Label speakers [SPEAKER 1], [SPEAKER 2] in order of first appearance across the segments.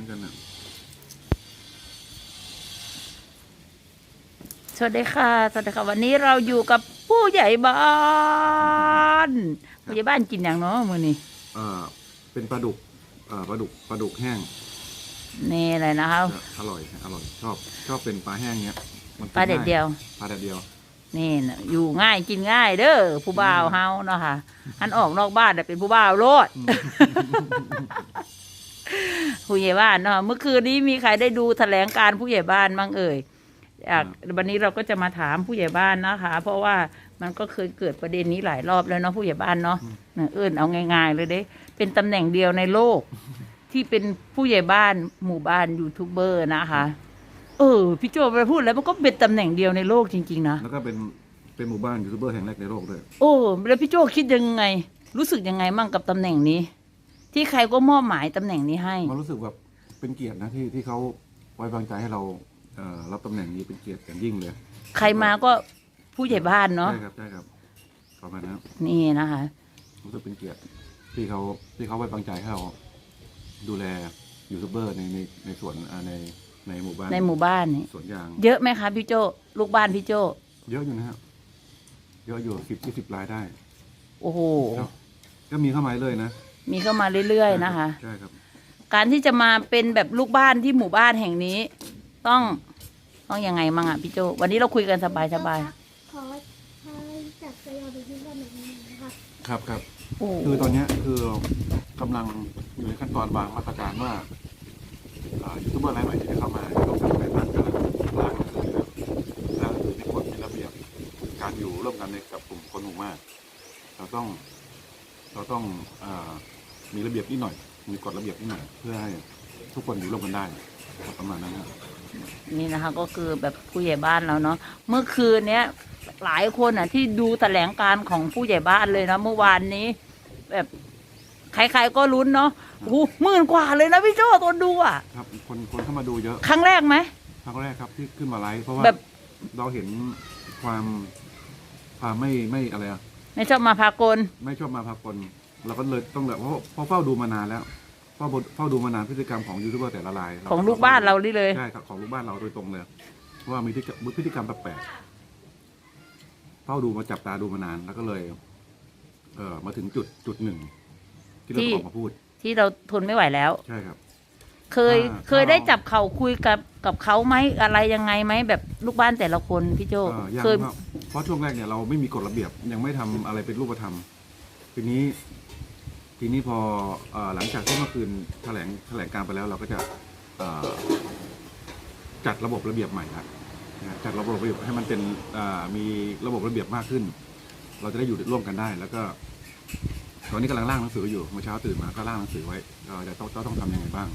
[SPEAKER 1] กันนะ
[SPEAKER 2] สวัสดีค่ะสวัสดีค่ะวันนี้เราอยู่กับผู้ใหญ่บ้านผู้ใหญ่บ้านกินอย่างเนาะมื้อนี้
[SPEAKER 1] เป็นปลาดุกปลาดุกแห้ง
[SPEAKER 2] นี่อะไรนะครับ
[SPEAKER 1] อร่อยชอบเป็นปลาแห้งเนี้ย
[SPEAKER 2] ปลาเด็ดเดียว
[SPEAKER 1] ปลาเด็ดเดียว
[SPEAKER 2] นี่นะอยู่ง่ายกินง่ายเด้อผู้บ่าวเฮาเนาะค่ะอันออกนอกบ้านเป็นผู้บ่าวโลด ผู้ใหญ่บ้านเนาะเมื่อคืนนี้มีใครได้ดูแถลงการผู้ใหญ่บ้านบ้างเอ่ยวันนี้เราก็จะมาถามผู้ใหญ่บ้านนะคะ เพราะว่ามันก็เคยเกิดประเด็นนี้หลายรอบแล้วเนาะผู้ใหญ่บ้านเนาะเอาง่ายๆเลยเด้เป็นตำแหน่งเดียวในโลกที่เป็นผู้ใหญ่บ้านหมู่บ้านยูทูบเบอร์นะคะพี่โจไปพูดแล้วมันก็เป็นตำแหน่งเดียวในโลกจริงๆนะ
[SPEAKER 1] แล้วก็เป็นหมู่บ้านยูทูบเบอร์แห่งแรกในโลกด้วย
[SPEAKER 2] แล้วพี่โจคิดยังไงรู้สึกยังไงมั่งกับตำแหน่งนี้ที่ใครก็มอบหมายตำแหน่งนี้ให้
[SPEAKER 1] มันรู้สึกแบบเป็นเกียรตินะที่เขาไว้วางใจให้เรารับตำแหน่งนี้เป็นเกียรติอย่างยิ่งเลย
[SPEAKER 2] ใครมาก็ผู้ใหญ่บ้านเนาะ
[SPEAKER 1] ใช่ครับประมาณนั้น
[SPEAKER 2] นี่นะคะ
[SPEAKER 1] รู้สึกเป็นเกียรติที่เขาไว้วางใจให้เราดูแลยูทูบเบอร์ในส่วนในหมู่บ้าน
[SPEAKER 2] นี่
[SPEAKER 1] สวนยาง
[SPEAKER 2] เยอะไหมคะพี่โจลูกบ้านพี่โจ
[SPEAKER 1] เยอะอยู่นะครับเยอะอยู่10-20 รายได้
[SPEAKER 2] โอ้โห
[SPEAKER 1] ก็มีเข้ามาเลยนะ
[SPEAKER 2] มีเข้ามาเรื่อยๆนะคะ
[SPEAKER 1] ใช่ครับ
[SPEAKER 2] การที่จะมาเป็นแบบลูกบ้านที่หมู่บ้านแห่งนี้ต้องยังไงมั่งอ่ะพี่โจวันนี้เราคุยกันสบาย
[SPEAKER 3] ขอจักรยานไปที่บ้านหน่อยนะครับ
[SPEAKER 1] ครับคือตอนนี้คือกำลังอยู่ในขั้นตอนวางมาตรการว่ายูทูบเบอร์รายใหม่ที่จะเข้ามาต้องทำอะไรบ้างกันล้างคือในกฎมีระเบียบการอยู่ร่วมกันในกับกลุ่มคนหมู่มากเราต้องมีระเบียบนิดหน่อยมีกฎระเบียบนิดหน่อยเพื่อให้ทุกคนอยู่ร่วมกันได้ประมาณนั้นครับ
[SPEAKER 2] นี่นะคะก็คือแบบผู้ใหญ่บ้านเราเนาะเมื่อคืนเนี้ยหลายคนอ่ะที่ดูแถลงการของผู้ใหญ่บ้านเลยนะเมื่อวานนี้แบบใครๆก็ลุ้นเนาะโอ้โห10,000 กว่าเลยนะพี่โจ้ตอนดูอ่ะ
[SPEAKER 1] ครับคนเข้ามาดูเยอะ
[SPEAKER 2] ครั้งแรกไหม
[SPEAKER 1] ครั้งแรกครับที่ขึ้นมาไลฟ์เพราะว่าเราเห็นความไม่อะไรอ่ะ
[SPEAKER 2] ไม่ชอบมาพากล
[SPEAKER 1] ไม่ชอบมาพากลเราก็เลยต้องแบบเพราะเฝ้าดูมานานแล้วเฝ้าดูมานานพฤติกรรมของยูทูบเบอร์แต่ละราย
[SPEAKER 2] ของลูกบ้านเรานี่เลย
[SPEAKER 1] ใช่ครับของลูกบ้านเราโดยตรงเลยว่ามีพฤติกรรมแปลกๆเฝ้าดูมาจับตาดูมานานแล้วก็เลยมาถึงจุดหนึ่งที่เราออกมาพูด
[SPEAKER 2] ที่เราทนไม่ไหวแล้ว
[SPEAKER 1] ใช่ครับ
[SPEAKER 2] เคยได้จับเขาคุยกับเขาไหมอะไรยังไงไหมแบบลูกบ้านแต่ละคนพี่โจ
[SPEAKER 1] เคยเพราะช่วงแรกเนี่ยเราไม่มีกฎระเบียบยังไม่ทำอะไรเป็นรูปธรรมทีนี้พอหลังจากที่เมื่อคืนแถลงการไปแล้วเราก็จะจัดระบบระเบียบใหม่ละจัดระบบระเบียบให้มันเป็นมีระบบระเบียบมากขึ้นเราจะได้อยู่ร่วมกันได้แล้วก็ตอนนี้กำลังร่างหนังสืออยู่เมื่อเช้าตื่นมาก็ร่างหนังสือไว้เราจะต้องทำยังไงบ้าง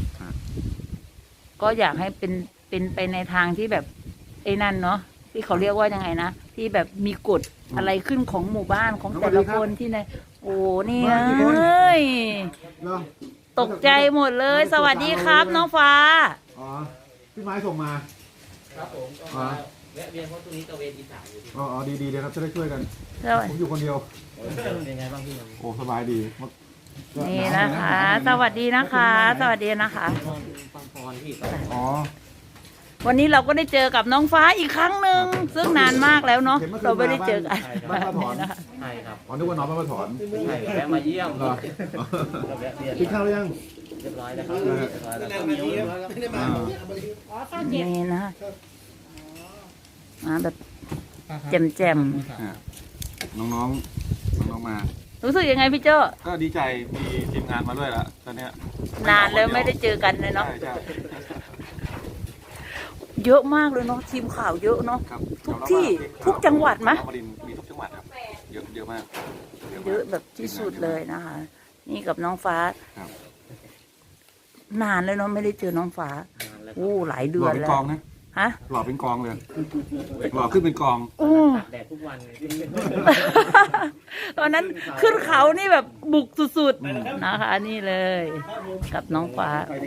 [SPEAKER 2] ก็อยากให้เป็นไปในทางที่แบบไอ้นั่นเนาะที่เขาเรียกว่ายังไงนะที่แบบมีกฎอะไรขึ้นของหมู่บ้านของแต่ละคนที่ในโอ้นี่เลยตกใจหมดเลยสวัสดีครับน้องฟ้า
[SPEAKER 1] อ๋อพี่ไม้ส่งมา
[SPEAKER 4] ครับผมแวะเวียนเพราะตรงนี้ตะเวนอีสานอยู่
[SPEAKER 1] อ๋อดีเลยครับจะได้ช่วยกันผมอยู่คนเดียว
[SPEAKER 4] เป็นไงบ้างพี่
[SPEAKER 1] โอ้สบายดี
[SPEAKER 2] นี่นะคะสวัสดีนะคะสวัสดีนะคะ
[SPEAKER 1] อ๋อ
[SPEAKER 2] วันนี้เราก็ได้เจอกับน้องฟ้าอีกครั้งหนึ่งซึ่งนานมากแล้วเนาะเราไม่ได้เจอกัน
[SPEAKER 1] บ้านป้าถอน
[SPEAKER 4] ใช่ครับ
[SPEAKER 1] อ๋อนึกว่าน้องบ้านป้าถอน
[SPEAKER 4] ใช่แวะมาเยี่ยม
[SPEAKER 1] กินข้าวหรือยัง
[SPEAKER 4] เรียบร้อยแล้วครับ
[SPEAKER 2] นี่นะมาแบบแจ่ม
[SPEAKER 1] น้องมา
[SPEAKER 2] รู้สึกยังไงพี่โจ้
[SPEAKER 1] ก็ดีใจมีทีมงานมาด้วยละตอนนี้
[SPEAKER 2] นานแล้วไม่ได้เจอกันเลยเนาะเยอะมากเลยเนาะทีมข่าวเยอะเนาะทุกที่ทุกจังหวัดไหม
[SPEAKER 1] มีทุกจังหวัดครับเยอะมาก
[SPEAKER 2] เยอะแบบที่สุดเลยนะคะนี่กับน้องฟ้านานเลยเนาะไม่ได้เจอน้องฟ้าหลายเดือนแล้ว
[SPEAKER 1] หล่อเป็นกองนะ
[SPEAKER 2] ฮะ
[SPEAKER 1] หล่อเป็นกองเลยหล่อขึ้นเป็นกอง
[SPEAKER 4] แดดทุกวันเลย
[SPEAKER 2] ตอนนั้นขึ้นเขานี่แบบบุกสุดๆนะคะนี่เลยกับน้องฟ้า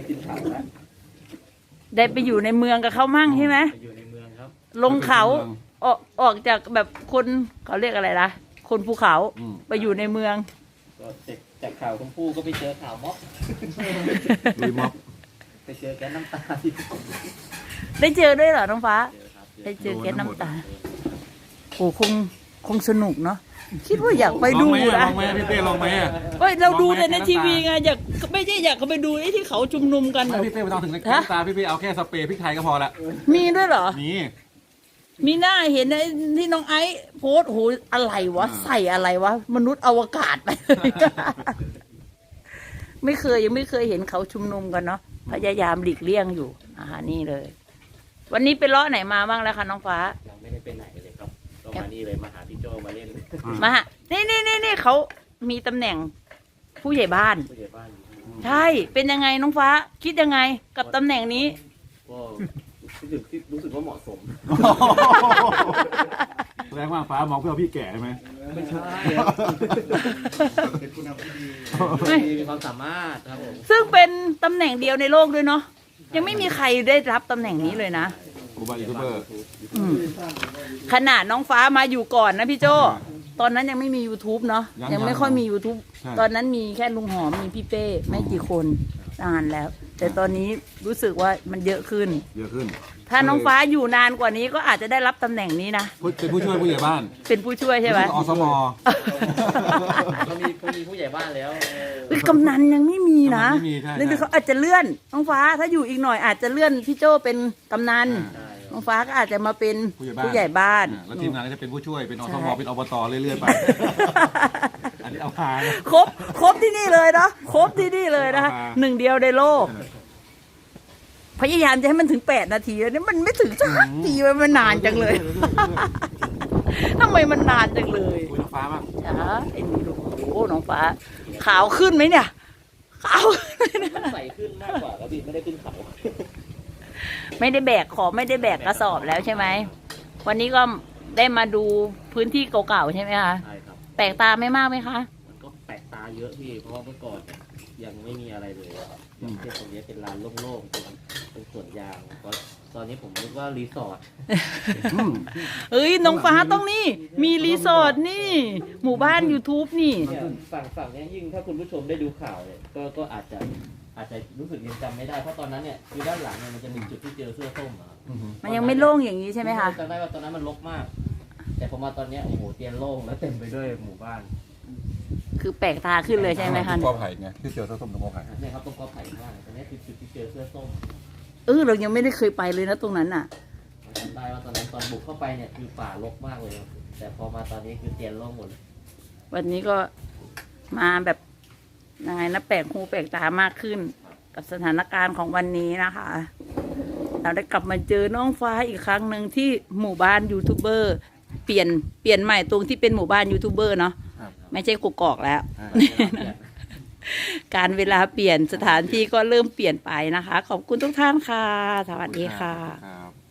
[SPEAKER 2] ได้ไปอยู่ในเมืองกับเขามั่งใช่ไหม
[SPEAKER 4] อยู่ในเมืองครับ
[SPEAKER 2] ลงเขาออกจากแบบคนเขาเรียกอะไรล่ะคนภูเขาไปอยู่ในเมือง
[SPEAKER 4] ก็จากข่าวชมพู่ก็ไปเจอข่าวม็อบ
[SPEAKER 1] ลุยม็อบ
[SPEAKER 4] ไปเจอแก๊สน้ำตาที่
[SPEAKER 2] ได้เจอด้วยเหรอน้องฟ้า
[SPEAKER 4] เจอครับ
[SPEAKER 2] ได้เจอแก๊สน้ำตาโอ้คงสนุกเนาะคิดว่าอยากไปดู
[SPEAKER 1] ลอง
[SPEAKER 2] นะ
[SPEAKER 1] ไหมพี่เต้ลองไหมอะ
[SPEAKER 2] เฮ้ยเราดูแต่ใน
[SPEAKER 1] ลองไหม
[SPEAKER 2] ทีวีไงอยากไม่ใช่อยากไปดูไอ้ที่เขาชุมนุมกัน
[SPEAKER 1] ไม่
[SPEAKER 2] น่ะ
[SPEAKER 1] พี่เต้ไม่ต้องถึงน้ำตาพี่เอาแค่สเปรย์พริกไทยก็พอละ
[SPEAKER 2] มีด้วยเหรอ
[SPEAKER 1] นี่
[SPEAKER 2] มีหน้าเห็นไอ้ที่น้องไอซ์โพสต์โหอะไรวะ ใส่อะไรวะ มนุษย์อวกาศไป ยังไม่เคยเห็นเขาชุมนุมกันเนาะพยายามหลีกเลี่ยงอยู่นี่เลย วันนี้ไปเลาะไหนมาบ้างแล้วคะน้องฟ้า
[SPEAKER 4] เราไม่ได้ไปไหนเลยครับก็มานี่เลยมาหาพี่โจมาเล่น
[SPEAKER 2] มาฮะนี่เขามีตำแหน่งผู้ใหญ่บ้าน
[SPEAKER 4] ผู้ใหญ่บ้าน
[SPEAKER 2] ใช่ เป็นยังไงน้องฟ้า คิดยังไงกับตำแหน่งนี้
[SPEAKER 4] ก็รู้สึกว่าเหมาะสม
[SPEAKER 1] แสดงว่าฟ้ามองเพื่อพี่แก่ใช่ไหม
[SPEAKER 4] ไม่ใช่
[SPEAKER 1] เป็นผู้นำที่ดี
[SPEAKER 4] มีความสามารถครับผม
[SPEAKER 2] ซึ่งเป็นตำแหน่งเดียวในโลกด้วยเนาะยังไม่มีใครได้รับตำแหน่งนี้เลยนะ
[SPEAKER 1] กูบายูทูบเบอร์
[SPEAKER 2] อืมขนาดน้องฟ้ามาอยู่ก่อนนะพี่โจตอนนั้นยังไม่มี YouTube เนาะยังไม่ค่อยมี YouTube ตอนนั้นมีแค่ลุงหอมมีพี่เป้ไม่กี่คนนานแล้ว แต่ตอนนี้รู้สึกว่ามันเยอะขึ้น
[SPEAKER 1] เยอะขึ้น
[SPEAKER 2] ถ้าน้องฟ้าอยู่นานกว่านี้ก็อาจจะได้รับตำแหน่งนี้นะ
[SPEAKER 1] เป็นผู้ช่วยผู้ใหญ่บ้าน
[SPEAKER 2] เป็นผู้ช่วยใช่ไหม
[SPEAKER 1] อสม
[SPEAKER 4] เขามีผู้ใหญ่บ้านแล้ว
[SPEAKER 2] เอ้ยกำนันยังไม่มีนะ
[SPEAKER 1] กำนันไม่มีใช่
[SPEAKER 2] นั่นเขาอาจจะเลื่อนน้องฟ้าถ้าอยู่อีกหน่อยอาจจะเลื่อนพี่โจเป็นกำนัน
[SPEAKER 4] ใช่
[SPEAKER 2] น้องฟ้าก็อาจจะมาเป็น
[SPEAKER 1] ผู้ใหญ่บ้าน
[SPEAKER 2] ผู้ใหญ่บ้าน
[SPEAKER 1] แล้วทีมงานก็จะเป็นผู้ช่วยเป็นอสมเป็นอบตเรื่อยๆไป อันนี้เอาพานะ
[SPEAKER 2] ครบที่นี่เลยเนาะครบที่นี่เลยนะคะ
[SPEAKER 1] เอามา
[SPEAKER 2] หนึ่งเดียวในโลก พยายามจะให้มันถึง8 นาทีแล้วเนี่ยมันไม่ถึงสักทีมันนานจังเลย ทำไมมันนานจังเลย
[SPEAKER 1] คุยน้องฟ้าบ้าง
[SPEAKER 2] จ้าไอ้นี่ดูโอ้น้องฟ้า ขาวขึ้นไหมเนี่ย ขาวขึ้นไหมเนี่ย
[SPEAKER 4] มันใส่ขึ้นมากกว่าครับพี่ไม่ได้ขึ้นเขา
[SPEAKER 2] ไม่ได้แบกของไม่ได้แบกกระสอบแล้วใช่ไหม วันนี้ก็ได้มาดูพื้นที่เก่าๆใช่ไหมคะ
[SPEAKER 4] ใช่ครับ
[SPEAKER 2] แปลกตาไม่มากไหมคะ
[SPEAKER 4] มันก็แปลกตาเยอะพี่เพราะว่าเมื่อก่อนยังไม่มีอะไรเลยอย่างเช่นตรงนี้เป็นลานโล่งๆเป็นสวนยางตอนนี้ผมนึกว่ารีสอร์ท
[SPEAKER 2] เอ้ยน้องฟ้าต้องนี่ มีรีสอร์ทนี่ หมู่บ้าน YouTube นี่
[SPEAKER 4] เนี่ยฝั่งเนี้ยยิ่งถ้าคุณผู้ชมได้ดูข่าวเนี่ยก็อาจจะรู้สึกยังจำไม่ได้เพราะตอนนั้นเนี่ยคือด้านหลังเนี่ยมันจะมีจุดที่เจอเสื้อส้มอะครับ
[SPEAKER 2] มันยังไม่โล่งอย่างนี้ใช่ไหมคะ
[SPEAKER 4] จำได้ว่าตอนนั้นมันรกมาก แต่พอมาตอนเนี้ยโอ้โหเตียนโล่งแล้วเต็มไปด้วยหมู่บ้าน
[SPEAKER 2] คือแปลกตาขึ้นเลยใช่ไหมคะ
[SPEAKER 1] กอไผ่ไงที่เจอเสื้อส้มตรงกอไผ่
[SPEAKER 4] เนี่ยครับตรงกอไผ่ข้างล่างตอนนี้คือจุดที่เจอเสื้อส้ม
[SPEAKER 2] เรายังไม่ได้เคยไปเลยนะตรงนั้นอ่ะ
[SPEAKER 4] จำได้ว่าตอนนั้นตอนบุกเข้าไปเนี่ยคือป่ารกมากเลยครับแต่พอมาตอนนี้คือเตียนโล่งหมดเลย
[SPEAKER 2] วันนี้ก็มาแบบยังไงนะแปลกหูแปลกตามากขึ้น กับสถานการณ์ของวันนี้นะคะ เราได้กลับมาเจอน้องฟ้าอีกครั้งหนึ่งที่หมู่บ้านยูทูบเบอร์เปลี่ยนใหม่ตรงที่เป็นหมู่บ้านยูทูบเบอร์เนาะไม่ใช่กกอกแล้ว การเวลาเปลี่ยนสถานที่ก็เริ่มเปลี่ยนไปนะคะ ขอบคุณทุกท่านค่ะ สวัสดีค่ะ
[SPEAKER 1] ครับ